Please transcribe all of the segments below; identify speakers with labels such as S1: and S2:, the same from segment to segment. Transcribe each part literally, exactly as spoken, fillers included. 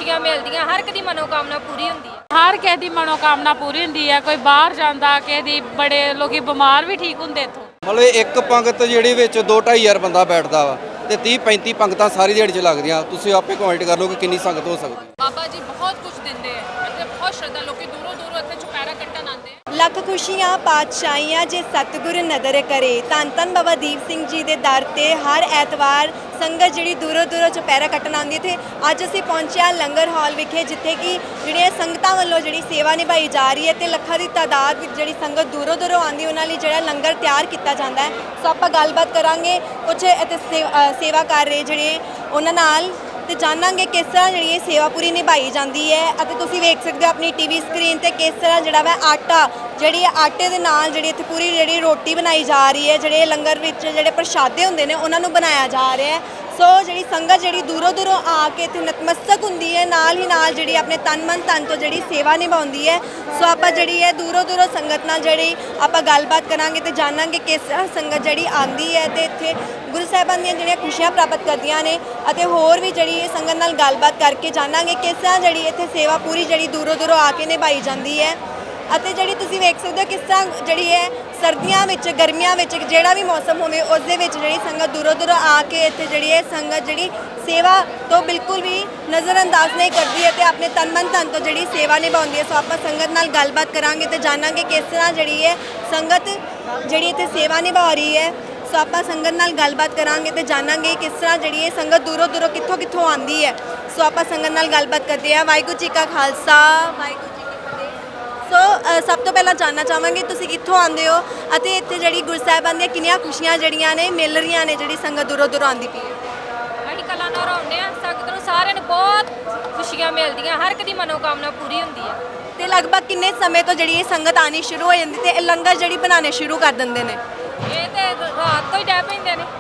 S1: खुशियां मिलदियां, हर एक दी मनोकामना पूरी हुंदी है।
S2: हर किसी की मनोकामना पूरी होंदी है। कोई बाहर जाता, किसी दी बड़े लोग बीमार भी ठीक होंगे इत्थों।
S3: मतलब एक पंगत ਜਿਹੜੀ ਵਿੱਚ ਦੋ ਢਾਈ ਹਜ਼ਾਰ ਬੰਦਾ ਬੈਠਦਾ ਵਾ ਤੇ तीस पैंतीस ਪੰਗਤਾਂ ਸਾਰੀ ਦਿਹਾੜੀ 'ਚ ਲੱਗਦੀਆਂ। ਤੁਸੀਂ ਆਪੇ ਕਾਊਂਟ ਕਰ ਲਓ ਕਿ ਕਿੰਨੀ ਸੰਗਤ ਹੋ ਸਕਦੀ ਹੈ।
S4: ਬਾਬਾ ਜੀ ਬਹੁਤ ਕੁਝ ਦਿੰਦੇ ਆ ਅਤੇ ਬਹੁਤ ਸ਼ਰਧਾ ਲੋਕੀ ਦੂਰੋਂ ਦੂਰੋਂ ਇੱਥੇ ਚੁਪਹਿਰਾ ਕੱਟਣ ਆਉਂਦੇ ਆ।
S5: ਲੱਖ ਖੁਸ਼ੀਆਂ ਪਾਤਸ਼ਾਹੀਆਂ ਜੇ ਸਤਿਗੁਰ ਨਦਰ ਕਰੇ। ਧੰਨ ਧੰਨ ਬਾਬਾ ਦੀਪ ਸਿੰਘ ਜੀ ਦੇ ਦਰ ਤੇ ਹਰ ਐਤਵਾਰ ਸੰਗਤ ਜਿਹੜੀ ਦੂਰੋਂ ਦੂਰੋਂ ਚੁਪਹਿਰਾ ਕੱਟਣ ਆਉਂਦੀ ਹੈ। ਅੱਜ ਅਸੀਂ ਪਹੁੰਚਿਆ ਲੰਗਰ ਹਾਲ ਵਿਖੇ, ਜਿੱਥੇ ਕਿ ਜਿਹੜੀਆਂ ਸੰਗਤਾਂ ਵੱਲੋਂ ਜਿਹੜੀ ਸੇਵਾ ਨਿਭਾਈ ਜਾ ਰਹੀ ਹੈ ਤੇ ਲੱਖਾਂ ਦੀ ਤਾਦਾਦ ਵਿੱਚ ਜਿਹੜੀ ਸੰਗਤ ਦੂਰੋਂ ਦੂਰੋਂ ਆਉਂਦੀ ਉਹਨਾਂ ਲਈ ਜਿਹੜਾ ਲੰਗਰ ਤਿਆਰ ਕੀਤਾ ਜਾਂਦਾ ਹੈ। ਸੋ ਆਪਾਂ ਗੱਲਬਾਤ ਕਰਾਂਗੇ ਕੁਝ ਇੱਥੇ ਸੇਵਾ ਕਰ ਰਹੇ ਜਿਹੜੇ ਉਹਨਾਂ ਨਾਲ ਤੇ ਜਾਣਾਂਗੇ ਕਿਸ ਤਰ੍ਹਾਂ ਜਿਹੜੀ ਇਹ ਸੇਵਾ ਪੂਰੀ ਨਿਭਾਈ ਜਾਂਦੀ ਹੈ। ਅਤੇ ਤੁਸੀਂ ਵੇਖ ਸਕਦੇ ਹੋ ਆਪਣੀ ਟੀਵੀ ਸਕਰੀਨ ਤੇ ਕਿਸ ਤਰ੍ਹਾਂ ਜਿਹੜਾ ਵਾ ਆਟਾ ਜਿਹੜੀ ਆਟੇ ਦੇ ਨਾਲ ਜਿਹੜੀ ਇੱਥੇ ਪੂਰੀ ਜਿਹੜੀ ਰੋਟੀ ਬਣਾਈ ਜਾ ਰਹੀ ਹੈ। ਜਿਹੜੇ ਲੰਗਰ ਵਿੱਚ ਜਿਹੜੇ ਪ੍ਰਸ਼ਾਦੇ ਹੁੰਦੇ ਨੇ ਉਹਨਾਂ ਨੂੰ ਬਣਾਇਆ ਜਾ ਰਿਹਾ ਹੈ। ਸੋ ਜਿਹੜੀ ਸੰਗਤ ਜਿਹੜੀ ਦੂਰੋਂ ਦੂਰੋਂ ਆ ਕੇ ਇੱਥੇ ਨਤਮਸਤਕ ਹੁੰਦੀ ਹੈ, ਨਾਲ ਹੀ ਨਾਲ ਜਿਹੜੀ ਆਪਣੇ ਤਨ ਮਨ ਧਨ ਤੋਂ ਜਿਹੜੀ ਸੇਵਾ ਨਿਭਾਉਂਦੀ ਹੈ। ਸੋ ਆਪਾਂ ਜਿਹੜੀ ਹੈ ਦੂਰੋਂ ਦੂਰੋਂ ਸੰਗਤ ਨਾਲ ਜਿਹੜੀ ਆਪਾਂ ਗੱਲਬਾਤ ਕਰਾਂਗੇ ਤੇ ਜਾਣਾਂਗੇ ਕਿਸ ਤਰ੍ਹਾਂ ਸੰਗਤ ਜਿਹੜੀ ਆਉਂਦੀ ਹੈ ਤੇ ਇੱਥੇ ਗੁਰੂ ਸਾਹਿਬਾਨ ਦੀਆਂ ਜਿਹੜੀਆਂ ਖੁਸ਼ੀਆਂ ਪ੍ਰਾਪਤ ਕਰਦੀਆਂ ਨੇ। ਅਤੇ ਹੋਰ ਵੀ ਜਿਹੜੀ ਇਹ ਸੰਗਤ ਨਾਲ ਗੱਲਬਾਤ ਕਰਕੇ ਜਾਣਾਂਗੇ ਕਿਸ ਤਰ੍ਹਾਂ ਜਿਹੜੀ ਇੱਥੇ ਸੇਵਾ ਪੂਰੀ ਜਿਹੜੀ ਦੂਰੋਂ ਦੂਰੋਂ ਆ ਕੇ ਨਿਭਾਈ ਜਾਂਦੀ ਹੈ। ਅਤੇ ਜਿਹੜੀ ਤੁਸੀਂ ਵੇਖ ਸਕਦੇ ਹੋ ਕਿਸ ਤਰ੍ਹਾਂ ਜਿਹੜੀ ਹੈ ਸਰਦੀਆਂ ਵਿੱਚ, ਗਰਮੀਆਂ ਵਿੱਚ, ਜਿਹੜਾ ਵੀ ਮੌਸਮ ਹੋਵੇ ਉਸ ਦੇ ਵਿੱਚ ਜਿਹੜੀ ਸੰਗਤ ਦੂਰੋਂ ਦੂਰੋਂ ਆ ਕੇ ਇੱਥੇ ਜਿਹੜੀ ਹੈ ਸੰਗਤ ਜਿਹੜੀ ਸੇਵਾ ਤੋਂ ਬਿਲਕੁਲ ਵੀ ਨਜ਼ਰਅੰਦਾਜ਼ ਨਹੀਂ ਕਰਦੀ ਹੈ ਤੇ ਆਪਣੇ ਤਨ ਮਨ ਧਨ ਤੋਂ ਜਿਹੜੀ ਸੇਵਾ ਨਿਭਾਉਂਦੀ ਹੈ। ਸੋ ਆਪਾਂ ਸੰਗਤ ਨਾਲ ਗੱਲਬਾਤ ਕਰਾਂਗੇ ਤੇ ਜਾਣਾਂਗੇ ਕਿਸ ਤਰ੍ਹਾਂ ਜਿਹੜੀ ਹੈ ਸੰਗਤ ਜਿਹੜੀ ਇੱਥੇ ਸੇਵਾ ਨਿਭਾ ਰਹੀ ਹੈ। ਸੋ ਆਪਾਂ ਸੰਗਤ ਨਾਲ ਗੱਲਬਾਤ ਕਰਾਂਗੇ ਤੇ ਜਾਣਾਂਗੇ ਕਿਸ ਤਰ੍ਹਾਂ ਜਿਹੜੀ ਇਹ ਸੰਗਤ ਦੂਰੋਂ ਦੂਰੋਂ ਕਿੱਥੋਂ ਕਿੱਥੋਂ ਆਉਂਦੀ ਹੈ। ਸੋ ਆਪਾਂ ਸੰਗਤ ਨਾਲ ਗੱਲਬਾਤ ਕਰਦੇ ਹਾਂ। ਵਾਹਿਗੁਰੂ ਜੀ ਕਾ ਖਾਲਸਾ, ਵਾਹਿਗੁਰੂ ਜੀ ਕੀ ਫਤਿਹ। ਸੋ ਸਭ ਤੋਂ ਪਹਿਲਾਂ ਜਾਣਨਾ ਚਾਹਾਂਗੇ ਤੁਸੀਂ ਕਿੱਥੋਂ ਆਉਂਦੇ ਹੋ ਅਤੇ ਇੱਥੇ ਜਿਹੜੀ ਗੁਰੂ ਸਾਹਿਬਾਨ ਦੀਆਂ ਕਿੰਨੀਆਂ ਖੁਸ਼ੀਆਂ ਜਿਹੜੀਆਂ ਨੇ ਮਿਲ ਰਹੀਆਂ ਨੇ, ਜਿਹੜੀ ਸੰਗਤ ਦੂਰੋਂ ਦੂਰੋਂ ਆਉਂਦੀ ਪਈ ਹੈ।
S1: ਅਸੀਂ ਕਲਾਨੌਰ ਆਉਂਦੇ ਆ, ਸੰਗਤ ਨੂੰ ਸਾਰਿਆਂ ਨੂੰ ਬਹੁਤ ਖੁਸ਼ੀਆਂ ਮਿਲਦੀਆਂ, ਹਰ ਇੱਕ ਦੀ मनोकामना पूरी ਹੁੰਦੀ ਹੈ।
S5: ਤੇ ਲਗਭਗ ਕਿੰਨੇ ਸਮੇਂ ਤੋਂ ਜਿਹੜੀ ਇਹ ਸੰਗਤ ਆਣੀ ਸ਼ੁਰੂ ਹੋ ਜਾਂਦੀ ਤੇ ਇਹ ਲੰਗਰ ਜਿਹੜੀ ਬਣਾਉਣੇ ਸ਼ੁਰੂ ਕਰ ਦਿੰਦੇ ਨੇ?
S1: ਇਹ ਤੇ ਰਾਤ ਤੋਂ ਹੀ ਡੈ ਪੈਂਦੇ ਨੇ,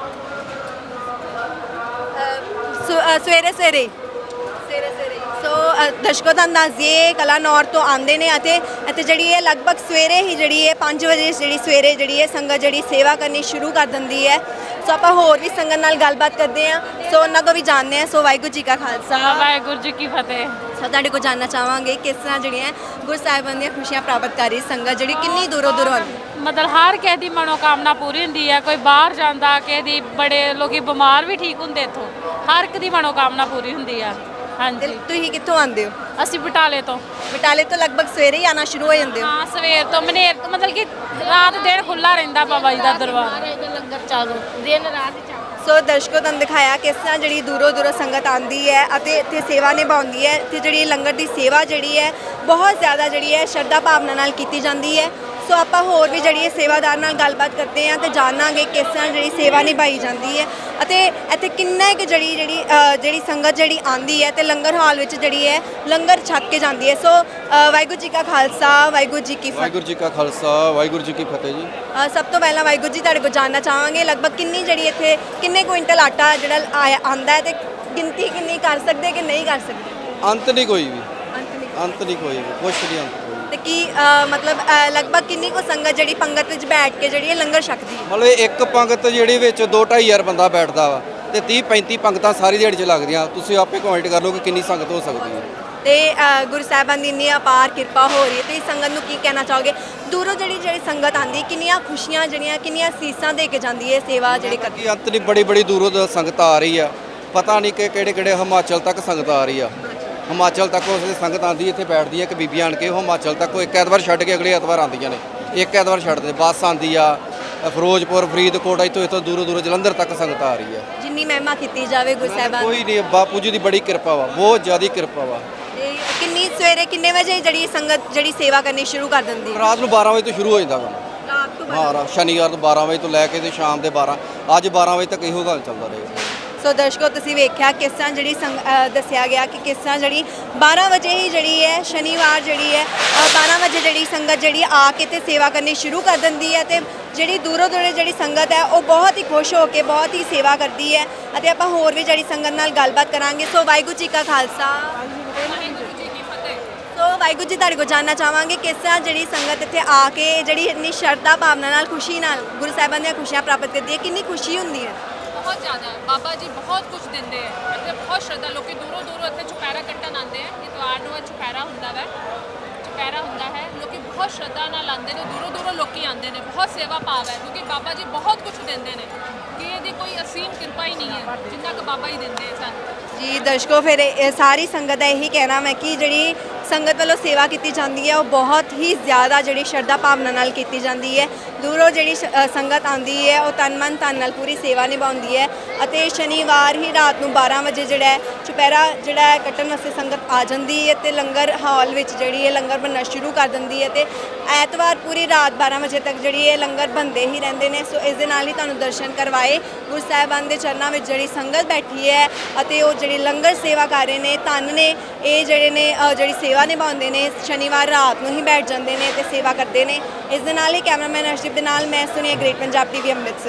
S5: ਸਵੇਰੇ ਸਵੇਰੇ ਸਵੇਰੇ ਸਵੇਰੇ ਸੋ ਦਰਸ਼ਕੋ ਦਾ ਅੰਦਾਜ਼ੇ ਕਲਾਨੌਰ ਤੋਂ ਆਉਂਦੇ ਨੇ ਅਤੇ ਅਤੇ ਜਿਹੜੀ ਹੈ ਲਗਭਗ ਸਵੇਰੇ ਹੀ ਜਿਹੜੀ ਹੈ ਪੰਜ ਵਜੇ ਜਿਹੜੀ ਸਵੇਰੇ ਜਿਹੜੀ ਹੈ ਸੰਗਤ ਜਿਹੜੀ ਸੇਵਾ ਕਰਨੀ ਸ਼ੁਰੂ ਕਰ ਦਿੰਦੀ ਹੈ। ਸੋ ਆਪਾਂ ਹੋਰ ਵੀ ਸੰਗਤ ਨਾਲ ਗੱਲਬਾਤ ਕਰਦੇ ਹਾਂ, ਸੋ ਉਹਨਾਂ ਕੋ ਵੀ ਜਾਣਦੇ ਹਾਂ। ਸੋ ਵਾਹਿਗੁਰੂ ਜੀ ਕਾ ਖਾਲਸਾ,
S2: ਵਾਹਿਗੁਰੂ ਜੀ ਕੀ ਫਤਿਹ।
S5: ਸੋ ਤੁਹਾਡੇ ਕੋਲ ਜਾਣਨਾ ਚਾਹਾਂਗੇ ਕਿਸ ਤਰ੍ਹਾਂ ਜਿਹੜੀਆਂ ਗੁਰੂ ਸਾਹਿਬਾਨ ਦੀਆਂ ਖੁਸ਼ੀਆਂ ਪ੍ਰਾਪਤ ਕਰ ਰਹੀ ਸੰਗਤ ਜਿਹੜੀ ਕਿੰਨੀ ਦੂਰੋਂ ਦੂਰੋਂ ਆਉਂਦੀ?
S2: मतलब हर किसी की मनोकामना पूरी होंदी है। कोई बाहर जाता, किसी दी बड़े लोग बीमार भी ठीक होंगे इत्थों। हर एक की मनोकामना पूरी होंदी है। हाँ
S5: ਤੇ
S2: जी,
S5: ਤੁਸੀਂ ਕਿੱਥੋਂ ਆਉਂਦੇ ਹੋ?
S2: असी बटाले तो।
S5: ਬਟਾਲੇ ਤੋਂ ਲਗਭਗ ਸਵੇਰੇ ਹੀ ਆਉਣਾ ਸ਼ੁਰੂ ਹੋ ਜਾਂਦੇ ਹੋ?
S2: हाँ, सवेर तो मनेर तो मतलब कि रात दिन खुला रहिंदा बाबा जी का दरबार।
S1: ਲੰਗਰ ਚਾਲੂ ਦਿਨ ਰਾਤ ਹੀ ਚੱਲਦਾ।
S5: ਸੋ ਦਰਸ਼ਕੋ ਤੁਹਾਨੂੰ ਦਿਖਾਇਆ ਕਿਸ ਤਰ੍ਹਾਂ ਜਿਹੜੀ ਦੂਰੋਂ ਦੂਰੋਂ ਸੰਗਤ ਆਉਂਦੀ ਹੈ ਅਤੇ ਇੱਥੇ ਸੇਵਾ ਨਿਭਾਉਂਦੀ ਹੈ। ਤੇ ਜਿਹੜੀ ਲੰਗਰ ਦੀ ਸੇਵਾ ਜਿਹੜੀ ਹੈ ਬਹੁਤ ਜ਼ਿਆਦਾ ਜਿਹੜੀ ਹੈ ਸ਼ਰਧਾ ਭਾਵਨਾ ਨਾਲ ਕੀਤੀ ਜਾਂਦੀ ਹੈ। ਸੋ ਆਪਾਂ ਹੋਰ ਵੀ ਜਿਹੜੀ ਹੈ ਸੇਵਾਦਾਰ ਨਾਲ ਗੱਲਬਾਤ ਕਰਦੇ ਹਾਂ ਤੇ ਜਾਣਾਂਗੇ ਕਿਸ ਤਰ੍ਹਾਂ ਜਿਹੜੀ ਸੇਵਾ ਨਿਭਾਈ ਜਾਂਦੀ ਹੈ ਅਤੇ ਇੱਥੇ ਕਿੰਨਾ ਕਿ ਜਿਹੜੀ ਜਿਹੜੀ ਜਿਹੜੀ ਸੰਗਤ ਜਿਹੜੀ ਆਉਂਦੀ ਹੈ ਤੇ ਲੰਗਰ ਹਾਲ ਵਿੱਚ ਜਿਹੜੀ ਹੈ ਲੰਗਰ ਛਕ ਕੇ ਜਾਂਦੀ ਹੈ। ਸੋ ਵਾਹਿਗੁਰੂ ਜੀ ਕਾ ਖਾਲਸਾ, ਵਾਹਿਗੁਰੂ ਜੀ ਕੀ ਫਤਿਹ।
S3: ਵਾਹਿਗੁਰੂ ਜੀ ਕਾ ਖਾਲਸਾ, ਵਾਹਿਗੁਰੂ ਜੀ ਕੀ ਫਤਿਹ ਜੀ।
S5: ਅ, ਸਭ ਤੋਂ ਪਹਿਲਾਂ ਵਾਹਿਗੁਰੂ ਜੀ ਤੁਹਾਡੇ ਕੋਲ ਜਾਣਨਾ ਚਾਹਾਂਗੇ ਲਗਭਗ ਕਿੰਨੀ ਜਿਹੜੀ ਇੱਥੇ ਕਿੰਨੇ ਕੁਇੰਟਲ ਆਟਾ ਜਿਹੜਾ ਆਇਆ ਆਉਂਦਾ ਹੈ ਤੇ ਗਿਣਤੀ ਕਿੰਨੀ ਕਰ ਸਕਦੇ ਕਿ ਨਹੀਂ ਕਰ ਸਕਦੇ?
S3: ਅੰਤ ਨਹੀਂ ਕੋਈ ਵੀ,
S5: ਅੰਤ ਨਹੀਂ।
S3: ਅੰਤ ਨਹੀਂ ਕੋਈ ਵੀ, ਕੁਛ ਨਹੀਂ ਅੰਤ ਕੋਈ।
S5: ਤੇ ਕੀ ਅ, ਮਤਲਬ ਅ, ਲਗਭਗ ਕਿੰਨੀ ਕੋ ਸੰਗਤ ਜਿਹੜੀ ਪੰਗਤ ਵਿੱਚ ਬੈਠ ਕੇ ਜਿਹੜੀ ਇਹ ਲੰਗਰ ਛਕਦੀ ਹੈ?
S3: ਮਤਲਬ ਇੱਕ ਪੰਗਤ ਜਿਹੜੀ ਵਿੱਚ ਦੋ ਢਾਈ ਹਜ਼ਾਰ ਬੰਦਾ ਬੈਠਦਾ ਵਾ ਤੇ तीस पैंतीस ਪੰਗਤਾਂ ਸਾਰੀ ਦਿਹਾੜੀ 'ਚ ਲੱਗਦੀਆਂ। ਤੁਸੀਂ ਆਪੇ ਕਾਊਂਟ ਕਰ ਲਓ ਕਿ ਕਿੰਨੀ ਸੰਗਤ ਹੋ ਸਕਦੀ ਹੈ।
S5: ਤੇ ਅ, ਗੁਰੂ ਸਾਹਿਬਾਨ ਦੀ ਇੰਨੀ ਅਪਾਰ ਕਿਰਪਾ ਹੋ ਰਹੀ ਹੈ ਤੇ ਇਸ ਸੰਗਤ ਨੂੰ ਕੀ ਕਹਿਣਾ ਚਾਹੋਗੇ? ਦੂਰੋਂ ਜਿਹੜੀ ਜਿਹੜੀ ਸੰਗਤ ਆਉਂਦੀ ਕਿੰਨੀਆਂ ਖੁਸ਼ੀਆਂ ਜਿਹੜੀਆਂ ਕਿੰਨੀਆਂ ਸੀਸਾਂ ਦੇ ਕੇ ਜਾਂਦੀ ਹੈ ਸੇਵਾ ਜਿਹੜੀ ਕਰਦੀ?
S3: ਕਿ ਅੰਤ ਨਹੀਂ, ਬੜੀ ਬੜੀ ਦੂਰੋਂ ਤੋਂ ਸੰਗਤ ਆ ਰਹੀ ਆ। ਪਤਾ ਨਹੀਂ ਕਿ ਕਿਹੜੇ ਕਿਹੜੇ ਹਿਮਾਚਲ ਤੱਕ ਸੰਗਤ ਆ ਰਹੀ ਆ। ਹਿਮਾਚਲ ਤੱਕ ਉਸ ਦੀ ਸੰਗਤ ਆਉਂਦੀ ਇੱਥੇ ਬੈਠਦੀ ਹੈ ਕਿ ਬੀਬੀਆਂ ਆਣ ਕੇ ਉਹ ਹਿਮਾਚਲ ਤੱਕ ਉਹ ਇੱਕ ਐਤਵਾਰ ਛੱਡ ਕੇ ਅਗਲੇ ਐਤਵਾਰ ਆਉਂਦੀਆਂ ਨੇ। ਇੱਕ ਐਤਵਾਰ ਛੱਡਦੇ ਬੱਸ ਆਉਂਦੀ ਆ। ਫਿਰੋਜ਼ਪੁਰ, ਫਰੀਦਕੋਟ, ਇੱਥੋਂ ਇੱਥੋਂ ਦੂਰੋਂ ਦੂਰੋਂ ਜਲੰਧਰ ਤੱਕ ਸੰਗਤ ਆ ਰਹੀ ਹੈ।
S5: ਜਿੰਨੀ ਮਹਿਮਾ ਕੀਤੀ ਜਾਵੇ ਗੁਰੂ ਸਾਹਿਬਾਨ
S3: ਕੋਈ ਨਹੀਂ, ਬਾਪੂ ਜੀ ਦੀ ਬੜੀ ਕਿਰਪਾ ਵਾ, ਬਹੁਤ ਜ਼ਿਆਦਾ ਕਿਰਪਾ ਵਾ।
S5: ਤੇ ਕਿੰਨੀ ਸਵੇਰੇ ਕਿੰਨੇ ਵਜੇ ਜਿਹੜੀ ਸੰਗਤ ਜਿਹੜੀ ਸੇਵਾ ਕਰਨੀ ਸ਼ੁਰੂ ਕਰ ਦਿੰਦੀ ਹੈ?
S3: ਰਾਤ ਨੂੰ ਬਾਰਾਂ ਵਜੇ ਤੋਂ ਸ਼ੁਰੂ ਹੋ ਜਾਂਦਾ ਵਾ।
S5: ਰਾਤ ਤੋਂ
S3: ਹਾਂ, ਰਾ- ਸ਼ਨੀਵਾਰ ਤੋਂ ਬਾਰਾਂ ਵਜੇ ਤੋਂ ਲੈ ਕੇ ਤੇ ਸ਼ਾਮ ਦੇ ਬਾਰਾਂ, ਅੱਜ ਬਾਰਾਂ ਵਜੇ ਤੱਕ ਇਹੋ ਗੱਲ ਚੱਲਦਾ ਰਹੇਗਾ।
S5: ਸੋ ਦਰਸ਼ਕੋ ਤੁਸੀਂ ਵੇਖਿਆ ਕਿਸ ਤਰ੍ਹਾਂ ਜਿਹੜੀ ਸੰਗ ਅ, ਦੱਸਿਆ ਗਿਆ ਕਿ ਕਿਸ ਤਰ੍ਹਾਂ ਜਿਹੜੀ ਬਾਰਾਂ ਵਜੇ ਹੀ ਜਿਹੜੀ ਹੈ ਸ਼ਨੀਵਾਰ ਜਿਹੜੀ ਹੈ ਅ, ਬਾਰਾਂ ਵਜੇ ਜਿਹੜੀ ਸੰਗਤ ਜਿਹੜੀ ਆ ਕੇ ਤੇ ਸੇਵਾ ਕਰਨੀ ਸ਼ੁਰੂ ਕਰ ਦਿੰਦੀ ਹੈ ਤੇ ਜਿਹੜੀ ਦੂਰੋਂ ਦੂਰੋਂ ਜਿਹੜੀ ਸੰਗਤ ਹੈ ਉਹ ਬਹੁਤ ਹੀ ਖੁਸ਼ ਹੋ ਕੇ ਬਹੁਤ ਹੀ ਸੇਵਾ ਕਰਦੀ ਹੈ। ਅਤੇ ਆਪਾਂ ਹੋਰ ਵੀ ਜਿਹੜੀ ਸੰਗਤ ਨਾਲ ਗੱਲਬਾਤ ਕਰਾਂਗੇ। ਸੋ ਵਾਹਿਗੁਰੂ ਜੀ ਕਾ ਖਾਲਸਾ,
S4: ਵਾਹਿਗੁਰੂ ਜੀ ਕੀ ਫਤਿਹ।
S5: ਸੋ ਵਾਹਿਗੁਰੂ ਜੀ ਤੁਹਾਡੇ ਕੋਲ ਜਾਣਨਾ ਚਾਹਾਂਗੇ ਕਿਸ ਤਰ੍ਹਾਂ ਜਿਹੜੀ ਸੰਗਤ ਇੱਥੇ ਆ ਕੇ ਜਿਹੜੀ ਇੰਨੀ ਸ਼ਰਧਾ ਭਾਵਨਾ ਨਾਲ ਖੁਸ਼ੀ ਨਾਲ ਗੁਰੂ ਸਾਹਿਬਾਨ ਦੀਆਂ ਖੁਸ਼ੀਆਂ ਪ੍ਰਾਪਤ ਕਰਦੀ ਹੈ, ਕਿੰਨੀ ਖੁਸ਼ੀ ਹੁੰਦੀ ਹੈ?
S4: ਬਹੁਤ ਜ਼ਿਆਦਾ ਬਾਬਾ ਜੀ ਬਹੁਤ ਕੁਝ ਦਿੰਦੇ ਆ ਅਤੇ ਬਹੁਤ ਸ਼ਰਧਾ ਲੋਕੀ ਦੂਰੋਂ ਦੂਰੋਂ ਇੱਥੇ ਚੁਪਹਿਰਾ ਕੱਟਣ ਆਉਂਦੇ ਹੁੰਦਾ ਵੈ, ਚੁਪਹਿਰਾ ਹੁੰਦਾ ਹੈ, ਲੋਕੀ ਬਹੁਤ ਸ਼ਰਧਾ ਨਾਲ ਆਉਂਦੇ ਨੇ, ਦੂਰੋਂ ਦੂਰੋਂ ਲੋਕੀ ਆਉਂਦੇ ਨੇ, ਬਹੁਤ ਸੇਵਾ ਭਾਵ ਹੈ ਕਿਉਂਕਿ ਬਾਬਾ ਜੀ ਬਹੁਤ ਕੁਝ ਦਿੰਦੇ ਨੇ ਕਿ ਇਹਦੀ ਕੋਈ ਅਸੀਮ ਕਿਰਪਾ ਹੀ ਨਹੀਂ ਹੈ, ਜਿੰਨਾ ਕੁ ਬਾਬਾ ਹੀ ਦਿੰਦੇ ਸਾਨੂੰ।
S5: ਜੀ ਦਰਸ਼ਕੋ, ਫਿਰ ਇਹ ਸਾਰੀ ਸੰਗਤ ਦਾ ਇਹੀ ਕਹਿਣਾ ਮੈਂ ਕਿ ਜਿਹੜੀ ਸੰਗਤ ਵੱਲੋਂ ਸੇਵਾ ਕੀਤੀ ਜਾਂਦੀ ਹੈ ਉਹ ਬਹੁਤ ਹੀ ਜ਼ਿਆਦਾ ਜਿਹੜੀ ਸ਼ਰਧਾ ਭਾਵਨਾ ਨਾਲ ਕੀਤੀ ਜਾਂਦੀ ਹੈ। ਦੂਰੋਂ ਜਿਹੜੀ ਸ਼- ਅ, ਸੰਗਤ ਆਉਂਦੀ ਹੈ ਉਹ ਤਨ ਮਨ ਧਨ ਨਾਲ ਪੂਰੀ ਸੇਵਾ ਨਿਭਾਉਂਦੀ ਹੈ ਅਤੇ ਸ਼ਨੀਵਾਰ ਹੀ ਰਾਤ ਨੂੰ ਬਾਰਾਂ ਵਜੇ ਜਿਹੜਾ ਹੈ ਚੁਪਹਿਰਾ ਜਿਹੜਾ ਹੈ ਕੱਟਣ ਵਾਸਤੇ ਸੰਗਤ ਆ ਜਾਂਦੀ ਹੈ ਤੇ ਲੰਗਰ ਹਾਲ ਵਿੱਚ ਜਿਹੜੀ ਹੈ ਲੰਗਰ ਬਣਨਾ ਸ਼ੁਰੂ ਕਰ ਦਿੰਦੀ ਹੈ ਤੇ ਐਤਵਾਰ ਪੂਰੀ ਰਾਤ ਬਾਰਾਂ ਵਜੇ ਤੱਕ ਜਿਹੜੀ ਇਹ ਲੰਗਰ ਬਣਦੇ ਹੀ ਰਹਿੰਦੇ ਨੇ। ਸੋ ਇਸ ਦੇ ਨਾਲ ਹੀ ਤੁਹਾਨੂੰ ਦਰਸ਼ਨ ਕਰਵਾਏ ਗੁਰੂ ਸਾਹਿਬਾਨ ਦੇ ਚਰਨਾਂ ਵਿੱਚ ਜਿਹੜੀ ਸੰਗਤ ਬੈਠੀ ਹੈ ਅਤੇ ਉਹ ਜਿਹੜੀ ਲੰਗਰ ਸੇਵਾ ਕਰ ਰਹੇ ਨੇ, ਧੰਨ ਨੇ ਇਹ ਜਿਹੜੇ ਨੇ ਅ, ਜਿਹੜੀ ਸੇਵਾ ਨਿਭਾਉਂਦੇ ਨੇ, ਸ਼ਨੀਵਾਰ ਰਾਤ ਨੂੰ ਹੀ ਬੈਠ ਜਾਂਦੇ ਨੇ ਤੇ ਸੇਵਾ ਕਰਦੇ ਨੇ। ਇਸ ਦੇ ਨਾਲ ਹੀ ਕੈਮਰਾਮੈਨ ਅਰਸ਼ਦੀਪ ਦੇ ਨਾਲ ਮੈਂ ਸੁਨੀਆ, ਗ੍ਰੇਟ ਪੰਜਾਬ ਟੀਵੀ ਅੰਮ੍ਰਿਤਸਰ।